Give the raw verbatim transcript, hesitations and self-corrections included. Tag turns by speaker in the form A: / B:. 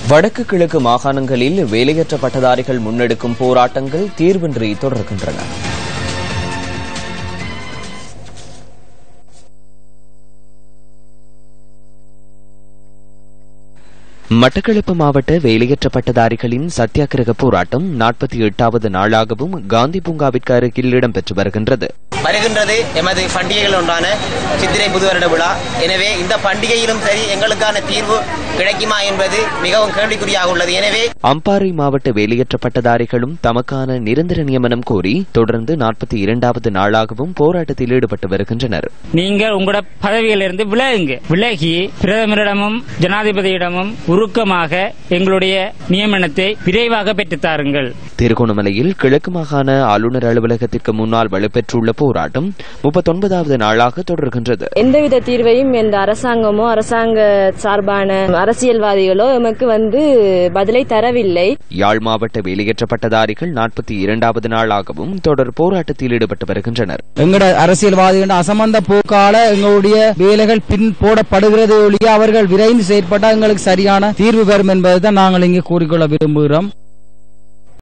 A: வடக்கு கிழக்கு மாகாணங்களில் வேலையற்ற பட்டதாரிகள் முன்னெடுக்கும் போராட்டங்கள் தீர்வின்றி தொடர்கின்றன. மட்டக்களப்பு மாவட்ட வேலையற்ற பட்டதாரிகளின் சத்தியாகிரக போராட்டம் நாற்பத்தி எட்டாவது நாளாகவும் காந்தி பூங்காவிற்கு அருகில் இடம்பெற்று வருகின்றது.
B: வருகின்றது எமது பண்டிகைகள் ஒன்றான சித்திரை புது வருட விழா. எனவே இந்த பண்டிகையிலும் சரி எங்களுக்கான தீர்வு கிடைக்குமா என்பது மிகவும் கேள்விக்குறியாக உள்ளது. எனவே
A: அம்பாறை மாவட்ட வேலையற்ற பட்டதாரிகளும் தமக்கான நிரந்தர நியமனம் கோரி தொடர்ந்து நாற்பத்தி இரண்டாவது நாளாகவும் போராட்டத்தில் ஈடுபட்டு வருகின்றனர்.
C: நீங்கள் உங்களோட பதவியிலிருந்து விலகுங்க, விலகி பிரதமரிடமும் ஜனாதிபதியிடமும் உருக்கமாக எங்களுடைய நியமனத்தை விரைவாக பெற்றுத்தாருங்கள்.
A: திருகோணமலையில் கிழக்கு மாகாண ஆளுநர் அலுவலகத்திற்கு முன்னால் வலுப்பெற்றுள்ள போராட்டம் முப்பத்தொன்பதாவது நாளாக தொடர்கின்றது.
D: எந்தவித தீர்வையும் எந்த அரசாங்கமோ அரசாங்க சார்பான அரசியல்வாதிகளோ எமக்கு வந்து பதிலை தரவில்லை.
A: யாழ் மாவட்ட வேலையற்ற பட்டதாரிகள் நாற்பத்தி இரண்டாவது நாளாகவும் தொடர் போராட்டத்தில் ஈடுபட்டு வருகின்றனர்.
E: எங்கட அரசியல்வாதிகள் அசம்பந்த போக்கால எங்களுடைய வேலைகள் பின் போடப்படுகிறது ஒழிய அவர்கள் விரைந்து செயற்பட்டால் எங்களுக்கு சரியான தீர்வு பெறும் என்பதுதான் நாங்கள் இங்கே கூறிக்கொள்ள விரும்புகிறோம்.